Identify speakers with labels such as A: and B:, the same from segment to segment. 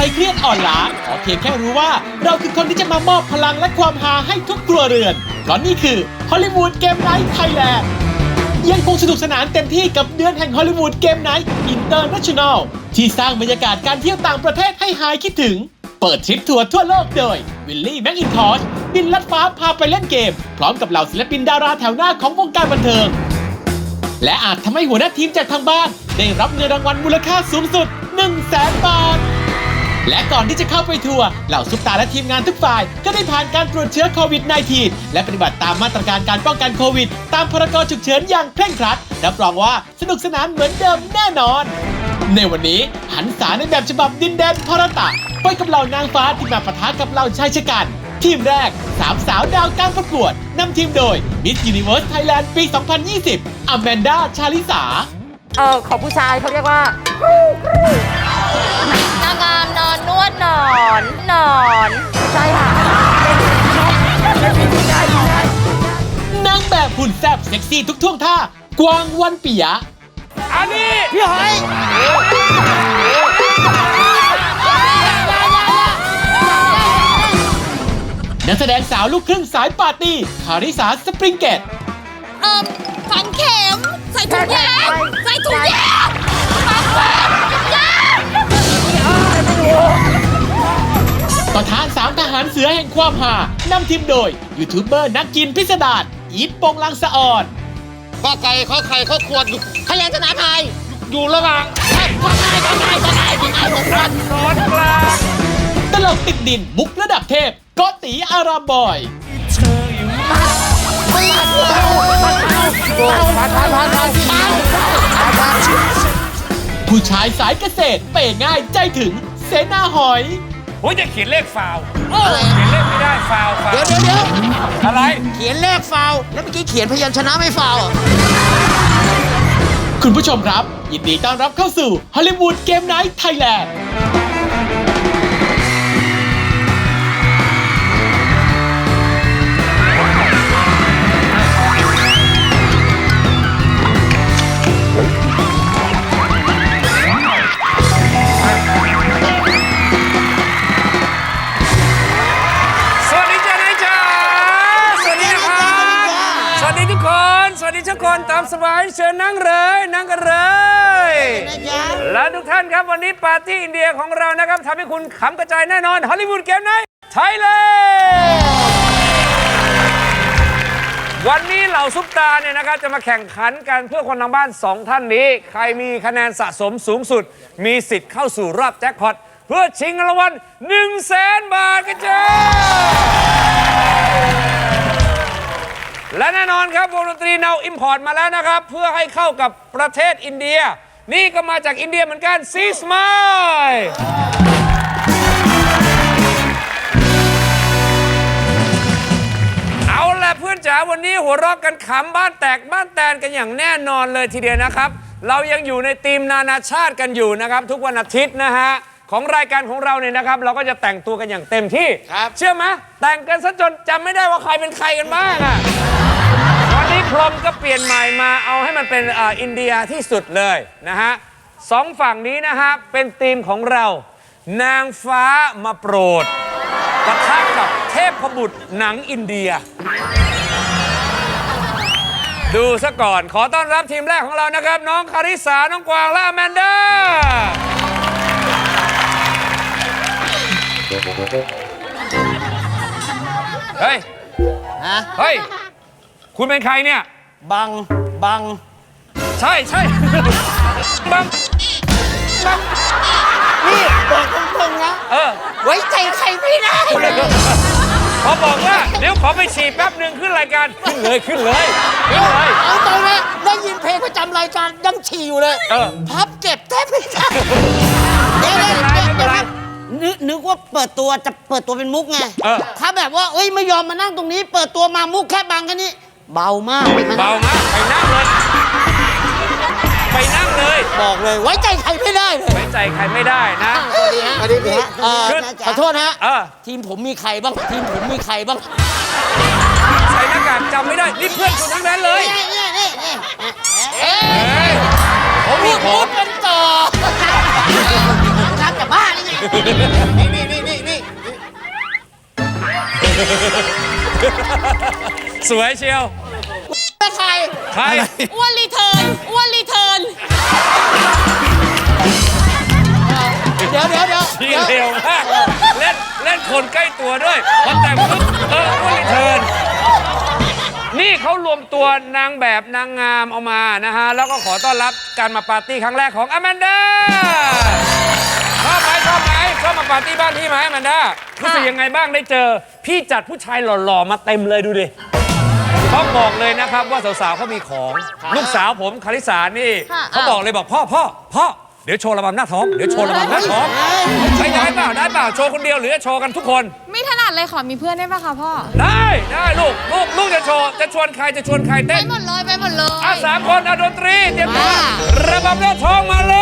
A: รเครียดอ่อนล้าขอเพียงแค่รู้ว่าเราคือคนที่จะมามอบพลังและความฮาให้ทุกครัวเรือนเพราะนี่คือฮอลลีวูดเกมไนท์ไทยแลนด์ยังคงสนุกสนานเต็มที่กับเดือนแห่งฮอลลีวูดเกมไนท์อินเตอร์เนชั่นแนลที่สร้างบรรยากาศการเที่ยวต่างประเทศให้หายคิดถึงเปิดทริปทัวร์ทั่วโลกโดยวิลลี่แม็กอินทอชบินลัดฟ้าพาไปเล่นเกมพร้อมกับเหล่าศิลปินดาราแถวหน้าของวงการบันเทิงและอาจทำให้หัวหน้าทีมจากทางบ้านได้รับเงินรางวัลมูลค่าสูงสุด 100,000 บาทและก่อนที่จะเข้าไปทัวร์เหล่าซุปตาและทีมงานทุกฝ่ายก็ได้ผ่านการตรวจเชื้อโควิด -19 และปฏิบัติตามมาตรการการป้องกันโควิดตามพรกฉุกเฉินอย่างเคร่งครัดรับรองว่าสนุกสนานเหมือนเดิมแน่นอนในวันนี้หันษาในแบบฉบับดินแดนพรตะไปกับเหล่านางฟ้าที่มาปะทะกับเหล่าชายชะกันทีมแรก3 สาวดาวการประกวดนำทีมโดย Miss Universe Thailand ปี 2020 อแมนดา ชาลิสา
B: ของผู้ชายเขาเรียกว่านางงามนอนนวดนอนใช่ค่ะ
A: นางแบบหุ่นแซ่บเซ็กซี่ทุกท่วงท่ากวางวันปิยะ
C: อันนี้
B: พี่หอย
A: นักแสดงสาวลูกครึ่งสายปาร์ตี้คาริสาสปริงเกต
B: ฝังเข็มใส่ถุงยาง
A: ประธาน3 ทหารเสือแห่งความหานำทีมโดยยูทูบเบอร์นักกินพิสดารอีทโปงลังสะอ่อน
C: ก็ไก่ข้อไข่ข้อขวด
B: พยัญชนะไทย
C: อยู่ระหว่าง
B: ก็ไก่ร้อน
C: กลาง
A: ตลกติดดินมุกระดับเทพโกติอารามบอยผู้ชายสายเกษตรเป๋ง่ายใจถึงเสนาหอย
C: โอ้ยจะเขียนเลขฟาวเขียนเลขไม่ได้ฟาว
B: เดี๋ยว
C: อะไร
B: เขียนเลขฟาวแล้วเมื่อกี้เขียนพยัญชนะไม่ฟาว
A: คุณผู้ชมครับยินดีต้อนรับเข้าสู่ฮอลลีวูดเกมไนท์ไทยแลนด์
C: ทุกคนตามสบายเชิญนั่งเลยนั่งกันเลยและทุกท่านครับวันนี้ปาร์ตี้อินเดียของเรานะครับทำให้คุณขำกระจายแน่นอนฮอลลีวูดเกมไนท์ไทยแลนด์วันนี้เหล่าซุปตาเนี่ยนะครับจะมาแข่งขันกันเพื่อคนทางบ้าน2 ท่านนี้ใครมีคะแนนสะสมสูงสุดมีสิทธิ์เข้าสู่รอบแจ็คพอตเพื่อชิงรางวัล 100,000 บาทกันจ้าและแน่นอนครับวงดนตรีเนาอิมพอร์ตมาแล้วนะครับเพื่อให้เข้ากับประเทศอินเดียนี่ก็มาจากอินเดียเหมือนกันซีสมายเอาล่ะเพื่อนจ๋าวันนี้หัวเราะกันขำบ้านแตกบ้านแตนกันอย่างแน่นอนเลยทีเดียวนะครับเรายังอยู่ในธีมนานาชาติกันอยู่นะครับทุกวันอาทิตย์นะฮะของรายการของเราเนี่ยนะครับเราก็จะแต่งตัวกันอย่างเต็มที่เชื่อไหมแต่งกันซะจนจำไม่ได้ว่าใครเป็นใครกันบ้างอ่ะวันนี้พรมก็เปลี่ยนใหม่มาเอาให้มันเป็นอินเดียที่สุดเลยนะฮะ2 ฝั่งนี้นะฮะเป็นธีมของเรานางฟ้ามาโปรดปะทะกับเทพบุตรหนังอินเดียดูซะก่อนขอต้อนรับทีมแรกของเรานะครับน้องคาริสาน้องกวางและอแมนดาเฮ้ยเฮ้ยคุณเป็นใครเนี่ย
B: บัง
C: ใช่บัง
B: นี่บอกตรงๆนะไว้ใจใครไม่ได้
C: พอบอกว่าเดี๋ยวขอไปฉี่แป๊บหนึ่งขึ้นรายการขึ้นเลย
B: เอาตรงนี้ได้ยินเพลงประจำรายการยังฉี่อยู่เลยพับเก็บแทบไม่ได้เดี๋ยวนึกว่าเปิดตัวจะเปิดตัวเป็นมุกไงถ้าแบบว่าไม่ยอมมานั่งตรงนี้เปิดตัวมามุกแค่บังแค่นี้เบามาก
C: ไปนั่งเลย
B: บอกเลยไว้ใจใครไม่ได้เลย
C: ไว้ใจใครไม่ได้นะ
B: สวัสดีพี่ขอโทษนะทีมผมมีใครบ้าง
C: ใส่หน้ากากจำไม่ได้นี่เพื่อนคุณทั้งนั้นเลย
B: ผมมีมุกเป็นต่อครับจะบ้าได้ไงนี่
C: สวยเชียว
B: เป็นใคร
C: ใคร
D: อ้วนรีเทิร์น
B: เดี๋ยว
C: ทีเร็วมากเล่นคนใกล้ตัวด้วยพอแต่งปุ๊บอ้วนรีเทิร์นนี่เขารวมตัวนางแบบนางงามเอามานะฮะ แล้วก็ขอต้อนรับการมาปาร์ตี้ครั้งแรกของอแมนดาชอบมาปาร์ตี้บ้านพี่ไหมอแมนดารู้สึกยังไงบ้างได้เจอ พี่จัดผู้ชายหล่อๆมาเต็มเลยดูดิเขาบอกเลยนะครับว่าสาวๆเขามีของ ลูกสาวผมคาริสานี่เขาบอกเลยบอกพ่อเดี๋ยวโชว์ระบำหน้าท้องใช้ได้เปล่าโชว์คนเดียวหรือจะโชว์กันทุกคน
D: ไม่ถนัดเลยขอมีเพื่อนได้ปะคะพ่อ
C: ได้ลูกจะโชว์จะชวนใครเต้
D: ไป
C: น
D: หมดเลย
C: 3 คนดนตรีเตรียมตัวระบำหน้าท้องมาเลย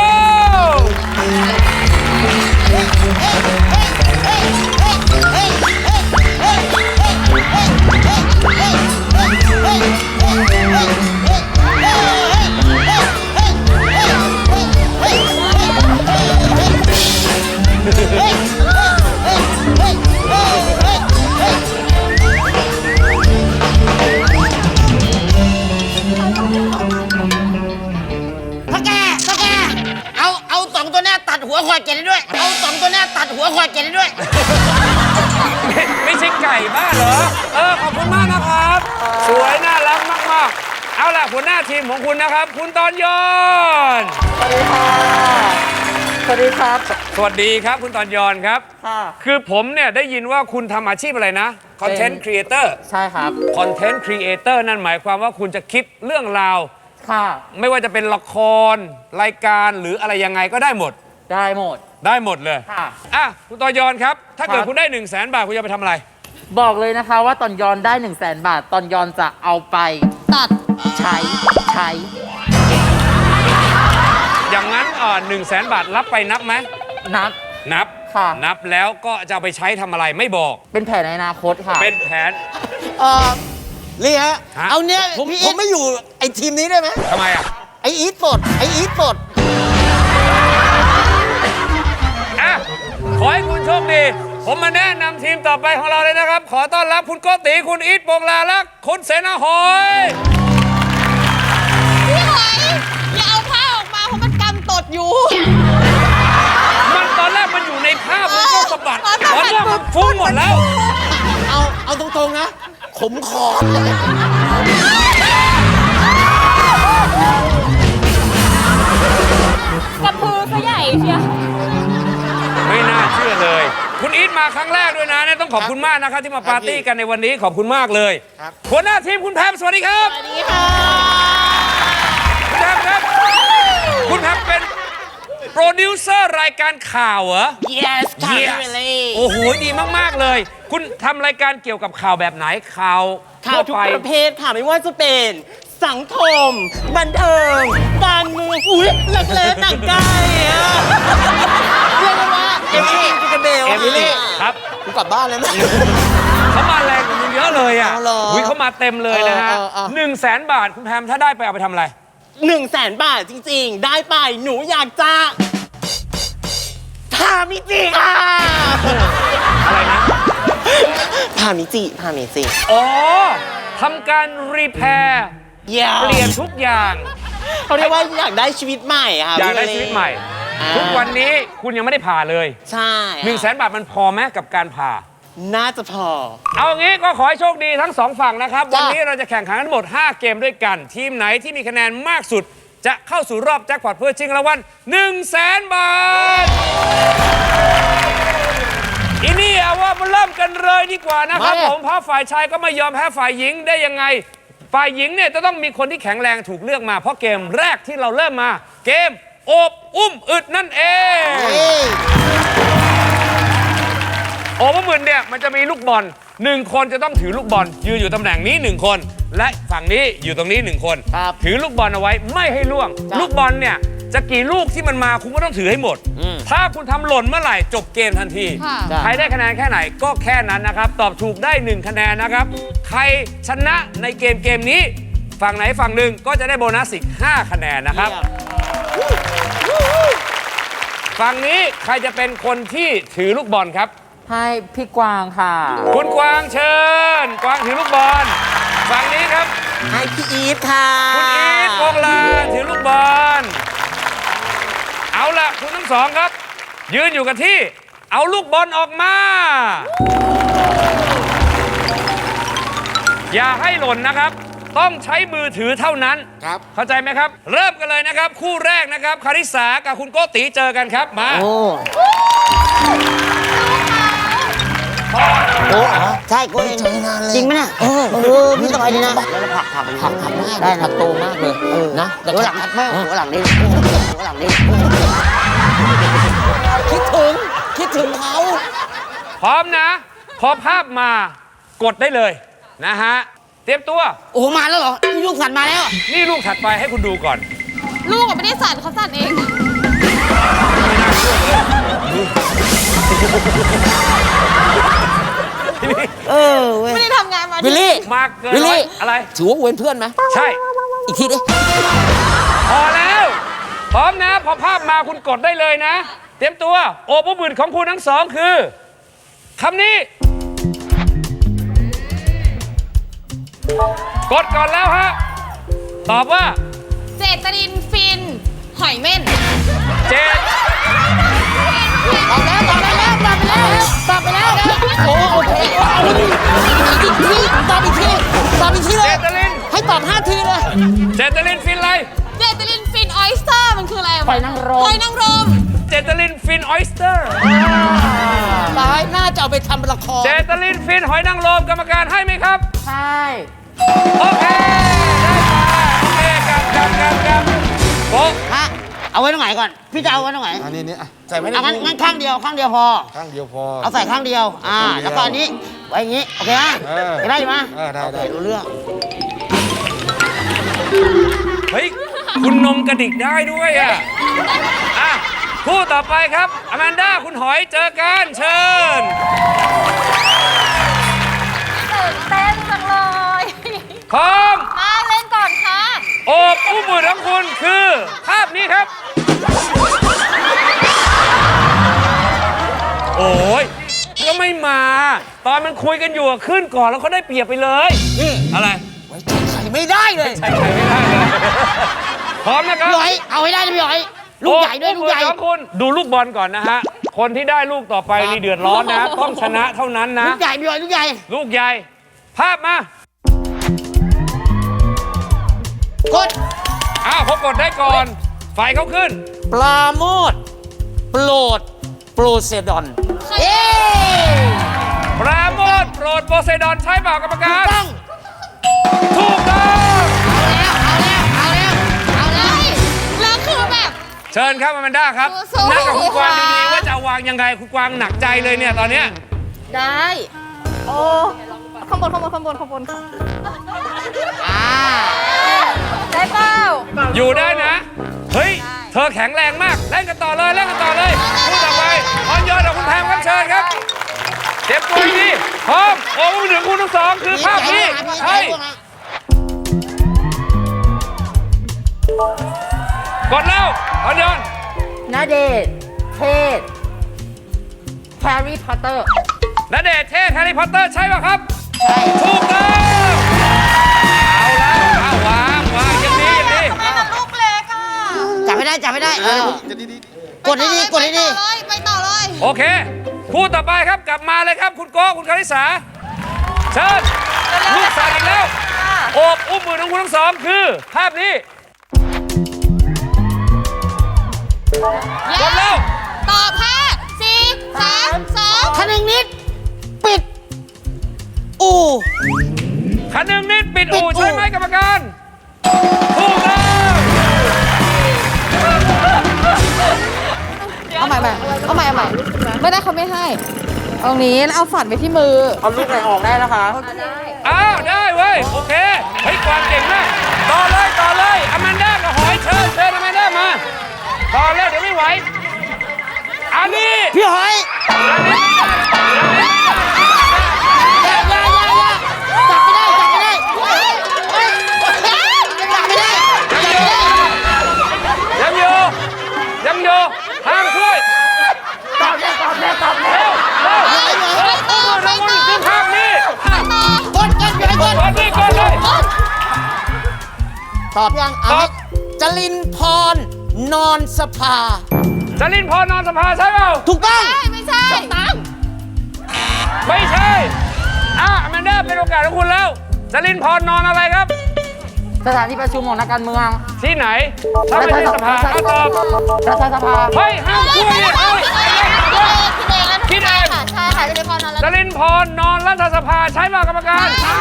B: พ่อแกเอาสองตัวหน้าตัดหัวควายเกล็ดได้ด้วย
C: ไม่ใช่ไก่บ้าเหรอขอบคุณมากนะครับ สวยน่ารักมากๆเอาล่ะหัวหน้าทีมของคุณนะครับ คุณตอนยอน
E: สวัสดีครับ
C: สวัสดีครับคุณตอนยอนครับ
E: ค่ะ
C: คือผมเนี่ยได้ยินว่าคุณทำอาชีพอะไรนะ Content Creator
E: ใช่ครับ
C: Content Creator นั่นหมายความว่าคุณจะคิดเรื่องราว
E: ค่ะ
C: ไม่ว่าจะเป็นละครรายการหรืออะไรยังไงก็ได้หมด
E: ได้หมด
C: ได้หมดเลย
E: ค่ะ
C: อ่ะคุณตอนยอนครับ ถ้าเกิด
E: ครับ
C: คุณได้ 1 0 0 0 0 0 บาทคุณจะไปทำอะไร
E: บอกเลยนะคะว่าตอนยอนได้ 1 0 0 0 0 0 บาท ตอนยอนจะเอาไป
D: ตัด
E: ใช้
C: อย่างนั้น1 0 0 0 0 0 บาทรับไปนับไหม
E: นับ
C: นับ
E: ค่ะ
C: นับแล้วก็จะเอาไปใช้ทำอะไรไม่บอก
E: เป็นแผนในอนาคตค่ะ
C: เป็นแผน
B: นี่ฮะ
C: ฮะ
B: เอาเนี่ยผมไม่อยู่ไอ้ทีมนี้ได้ไหม
C: ทำไมอ่ะ
B: ไอ้อีทปลด
C: อ่ะ ขอให้คุณโชคดี ผมมาแนะนำทีมต่อไปของเราเลยนะครับ ขอต้อนรับคุณโกติคุณอีทโปงลาและคุณเสนาหอย
D: พี่หอยอย่าเอาผ้าออกมาเพราะมันกำตดอยู่
C: มันตอนแรกมันอยู่ในภาพมันก็สะบัด
D: อ๋อ
C: ตอนนี้มันฟุ้งหมดแล้ว
B: เอาตรงๆนะ ขมคอ
D: กระพือซะใหญ่เชียว
C: ไม่น่าเชื่อเลย คุณอีทมาครั้งแรกด้วยนะเนี่ยต้องขอบคุณมากนะครับที่มาปาร์ตี้กันในวันนี้ขอบคุณมากเลยหัวหน้าทีมคุณแพมสวัสดีครับ
D: สวัสดีค่ะ
C: คุณแพมครับ คุณแพมเป็นโปรดิวเซอร์รายการข่าวเหรอ
B: yes ค่ะ
C: Yes โอ้โห ดีมาก ๆ เลย คุณทำรายการเกี่ยวกับข่าวแบบไหนข่าว
F: ข่าวทุกประเภทค่ะไม่ว่าจะเป็นสังคม บันเทิง การเมืองอุ้ยเล็กๆหนังไก่อะเรียกได้ว่าเอมิลี่จิกเบล
C: เอมิลี่ครับ
B: กูกลับบ้านเลยไหม
C: เขามาแรงกว่ามึงเยอะเลยอ่ะ
B: เอาเหรอ
C: เขามาเต็มเลยนะฮะ 100,000 บาทคุณแพมถ้าได้ไปเอาไปทำอะไร
F: 100,000 บาทจริงๆ ได้ไปหนูอยากจะพามิจิค่ะ
C: อะไรนะ
F: พามิจิ
C: อ๋อทำการรีแพร์
F: อย่า
C: เปลี่ยนทุกอย่าง
F: เขาเรียกว่าอยากได้ชีวิตใหม่ค่ะ
C: อยากได้
F: พี่
C: ชีวิตใหม่
F: อ่า
C: ทุกวันนี้คุณยังไม่ได้ผ่าเลย
F: ใช่
C: 100,000 บาทมันพอไหมกับการผ่า
F: น่าจะพอ
C: เอางี้ก็ขอให้โชคดีทั้งสองฝั่งนะครับ วันนี้เราจะแข่งขันกันทั้งหมด 5 เกมด้วยกัน ทีมไหนที่มีคะแนนมากสุด จะเข้าสู่รอบแจ็คพอตเพื่อชิงรางวัล100,000 บาทอีนี่เอาว่ามาเริ่มกันเลยดีกว่านะครับผมเพราะฝ่ายชายก็ไม่ยอมแพ้ฝ่ายหญิงได้ยังไง ฝ่ายหญิงเนี่ยจะต้องมีคนที่แข็งแรงถูกเลือกมาเพราะเกมแรกที่เราเริ่มมา เกมโอบอุ้มอึดนั่นเอง โอเวอร์มืนเนี่ยมันจะมีลูกบอล1 คนจะต้องถือลูกบอลยืนอยู่ตำแหน่งนี้1 คน และฝั่งนี้อยู่ตรงนี้1 คน
B: ครับ
C: ถือลูกบอลเอาไว้ไม่ให้ล่วง ลูกบอลเนี่ยจะกี่ลูกที่มันมาคุณก็ต้องถือให้หมด ถ้าคุณทำหล่นเมื่อไหร่จบเกมทันที
D: ค่ะ
C: ใครได้คะแนนแค่ไหนก็แค่นั้นนะครับ ตอบถูกได้ 1 คะแนนนะครับ ใครชนะในเกมนี้ ฝั่งไหนฝั่งหนึ่งก็จะได้โบนัสอีก5 คะแนนนะครับฝั่งนี้ใครจะเป็นคนที่ถือลูกบอลครับ
E: ให้พี่กวางค่ะ
C: คุณกวางเชิญ กวางถือลูกบอล ฝั่งนี้ครับ
F: ให้พี่อีทค่ะ
C: คุณอีทโปงลางถือลูกบอล เอาล่ะคุณทั้งสองครับ ยืนอยู่กับที่ เอาลูกบอลออกมา อย่าให้หล่นนะครับ ต้องใช้มือถือเท่านั้นครับเข้าใจไหมครับ เริ่มกันเลยนะครับ คู่แรกนะครับคาริสากับคุณโกติเจอกันครับมา
B: โอ้ใช่กูเองจริงไหมเนี่ยพี่สบายดีนะแล้วผักได้นะโตมากเลยนะหัวหลังหัวหลังนี่หัวหลังนี่คิดถึงเขา
C: พร้อมนะ พอภาพมากดได้เลยนะฮะเตรียมตัว
B: โอ้มาแล้วเหรอนี่ลูกสัตว์มาแล้ว
C: นี่ลูกถัดไปให้คุณดูก่อน
D: ลูกอะไม่ได้สั่นเขาสั่นเอง
B: เว้ย
D: ไม่ได้ทำงานมา
F: วิลลี่
C: มาเกิน
F: วิลลี่
C: อะไร
F: ถือว่าเว้นเพื่อนไหม
C: ใช่
F: อีกทีดิ
C: พอแล้ว พร้อมนะ พอภาพมาคุณกดได้เลยนะ เตรียมตัว โอปุบืนของคุณทั้งสองคือคำนี้ กดก่อนแล้วฮะ ตอบว่า
D: เจตรินฟิน หอยเม่น
C: เจด
B: ตอบไปแล้วโอ้โอเคอีกทีตอบอีกทีเล
C: เจ
B: ย
C: ตลิน
B: ให้ตอบ5 ทีเลย
C: เจตลินฟินอะไร
D: เจตรินฟินออยสเตอร์มันคืออะไร
E: หอยนางรม
D: หอยนางรม
C: เจตลินฟินออยสเตอร์
B: ตายน่าจะเอาไปทำละคร
C: เจตลินฟินหอยนางรมกรรมการให้ไหมครับ
E: ใช่
C: โอเค ได้มาโอเคกับโป๊ะ
B: ฮะเอาไว้ตรงไหนก่อน พี่จะเอาไว้ตรงไหน
G: อันนี้นี่อ่ะใส่ไว้ใน
B: เอางั้นข้างเดียวพอ
G: ข้างเดียวพอ
B: เอาใส่ข้างเดียว
G: ข้างเดียว
B: แล้วก็อันนี้ไว้อย่างนี้ โอเคไหม ได้ไหม
G: ได้
B: โอเครู้เรื่อง
C: เฮ้ย คุณนมกระดิกได้ด้วยอ่ะคู่ต่อไปครับอแมนด้าคุณหอยเจอกันเชิญ
D: ตื่นเต้นจังเลย
C: พร้อม
D: มาเล่นก่อนค่ะ
C: โอบอุ้มมือของคุณคือภาพนี้ครับ โอ้ยก็ไม่มา ตอนมันคุยกันอยู่อะขึ้นก่อนแล้วเขาได้เปรียบไปเลย
B: นี่
C: อะไร
B: ไว้ใจใครไม่ได้เลย
C: ใช่ไม่ได้เลยพร้อมนะครับ
B: พี่หอยเอาให้ได้นะพี่หอย ลูกใหญ่ด้วยลูกใหญ่
C: โอ้มือของคุณดูลูกบอลก่อนนะฮะ คนที่ได้ลูกต่อไปนี่เดือดร้อนนะ ต้องชนะเท่านั้นนะ
B: ลูกใหญ่พี่หอยลูกใหญ่
C: ลูกใหญ่ ภาพมา
B: กด
C: พอกดได้ก่อน ไฟเขาขึ้น
F: ปลาโมดโปรดโปรเซดอน
B: เย้
C: ปราโมทโปรดโปเซดอนใช่เปล่ากรรมการ
B: ต้อง
C: ถูกต้อง
D: เอาเลยแล้วคือแบบ
C: เชิญครับอแมนด้าครับ
D: สู้ๆ
C: นั่งกับคุณกวาง
D: ค่ะ
C: ดีๆว่าจะเอาวางยังไงคุณกวางหนักใจเลยเนี่ยตอนเนี้ย
D: ได้ โอ้ข้างบนค่ะได้เปล่า
C: อยู่ได้นะ เฮ้ย เธอแข็งแรงมาก เล่นกันต่อเลยคู่ต่อไปออนยอนกับคุณแพมครับเชิญครับเจ็บตัวดีพร้อมโอ้โหหนึ่งคู่ทั้งสองคือภาพนี้ใช่กดแล้วออนยอน
E: นาเดชน์เทศแฮร์รี่พอตเตอร์
C: ณเดชน์เทศแฮร์รี่พอตเตอร์ใช่ป่ะครับ
B: ใช่
C: ถูกต้องเอาแล้วเอาวางอย่างนี้
D: ทำไมมันลูกเล็กอ่ะ
B: จับไม่ได้กดให้ดี
D: ไปต่อเลย
C: โอเคคู่ต่อไปครับกลับมาเลยครับคุณโก้คุณคาริสาเชิญลูกสาวอีกแล้วโอบอุ้มมือของคุณทั้งสองคือภาพนี้กดแล้ว
D: ตอบ5 4 3 2
B: คนึงนิด ปิด อู่
C: คันหนึ่งนิดปิดอู่ใช่ไหมกรรมการถูกต้อง
D: เอาใหม่ไม่ได้เขาไม่ให้ตรงนี้แล้วเอาฝันไปที่มือ
E: เอาลูกไหนออกได้แล้วคะ
C: อ้าวได้เว้ยโอเคเฮ้ยกวางเก่งมากต่อเลยอแมนด้ากับหอยเชิญอแมนด้ามาต่อเลยเดี๋ยวไม่ไหวอันนี้
B: พี่หอย
C: อันนี้ไม่ได้
B: อย่าจับไม่ได้จับไม่ได้
C: ยังอยู่ห้ามช่วย
B: ตอบยัง
C: ตอบ
B: จรินพรนอนสภา
C: จรินพรนอนสภาใช่เปล่า
B: ถูกต้อง
D: ไม่ใช่
C: ไม่ใช่อแมนด้าเป็นโอกาสของคุณแล้วจรินพรนอนอะไรครับ
E: สถานที่ประชุมของนักการเมือง
C: ที่ไหน ถ้าไม่ใช่สภาก็ตอบ
E: รัฐสภา
C: เฮ้ยห้ามพูดดิเฮ้ย
D: คิดเองแล้วใช่ค่ะจะได้พอนอนแล้ว
C: จรินพรนอนรัฐสภาใช่เปล่ากรรมการ
B: ใช่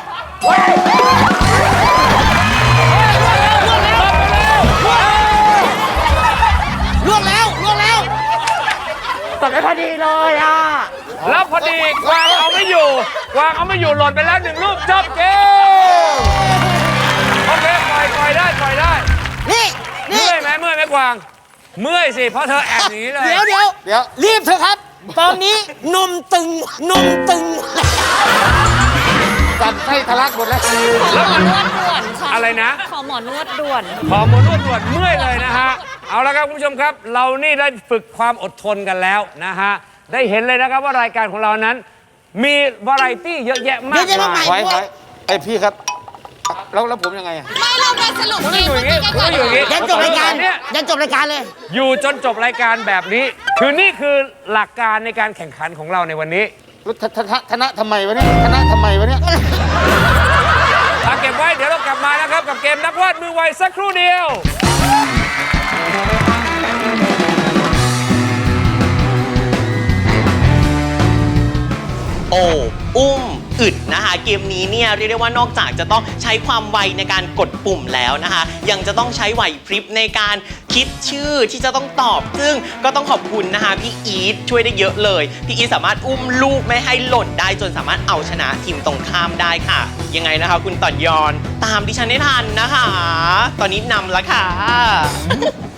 B: ล่วงแล้ว
E: ตอบได้พอดีเลยอ่ะ
C: แล้วพอดีกวางเอาไม่อยู่หล่นไปแล้ว1ลูกจบเกมโอเคปล่อยได้
B: นี่
C: เมื่อยไหมกวางเมื่อยสิเพราะเธอแอบหนีเลย
B: เดี๋ยวรีบเถอะครับ ตอนนี้นมตึง
G: สั่นไส้ทะลักหมดแล้ว
C: แล้วมัน
D: นวดด่วนค่ะ
C: อะไรนะ
D: ขอหมอนวดด่วน
C: ขอหมอนวดด่วนเมื่อยเลยนะฮะเอาละครับคุณผู้ชมครับ เรานี่ได้ฝึกความอดทนกันแล้วนะฮะได้เห็นเลยนะครับว่ารายการของเรานั้น มีวาไรตี้เยอะแยะมาก
B: เยอะแยะมาก
C: มาม
B: าย
C: ย
G: ไว้ไอพี่ครับ แล้วผมยังไงอะ
D: ไม่เรามาสรุป
C: คุณ
D: เก
C: ต้อง
D: ม
C: อยู่อย่างนี้
B: ยันจบรายการ
C: เนี่ย
B: ยันจบรายการเลย
C: อยู่จนจบรายการแบบนี้ คือนี่คือหลักการในการแข่งขันของเราในวันนี้
G: แล้วธนะทำไมวะเนี่ยธนะทำไมวะเนี่ย
C: เอาเก็บไว้เดี๋ยวเรากลับมานะครับกับเกมนักวาดมือไวสักครู่เดียว
F: โอ้อุ้มอึดนะคะเกมนี้เนี่ยเรียกได้ว่านอกจากจะต้องใช้ความไวในการกดปุ่มแล้วนะคะยังจะต้องใช้ไหวพริบในการคิดชื่อที่จะต้องตอบ ซึ่งก็ต้องขอบคุณนะคะพี่อีทช่วยได้เยอะเลยพี่อีทสามารถอุ้มลูกไม่ให้หล่นได้จนสามารถเอาชนะทีมตรงข้ามได้ค่ะยังไงนะคะคุณต่อนยอนตามดิฉันได้ทันนะคะ ตอนนี้นำแล้วค่ะ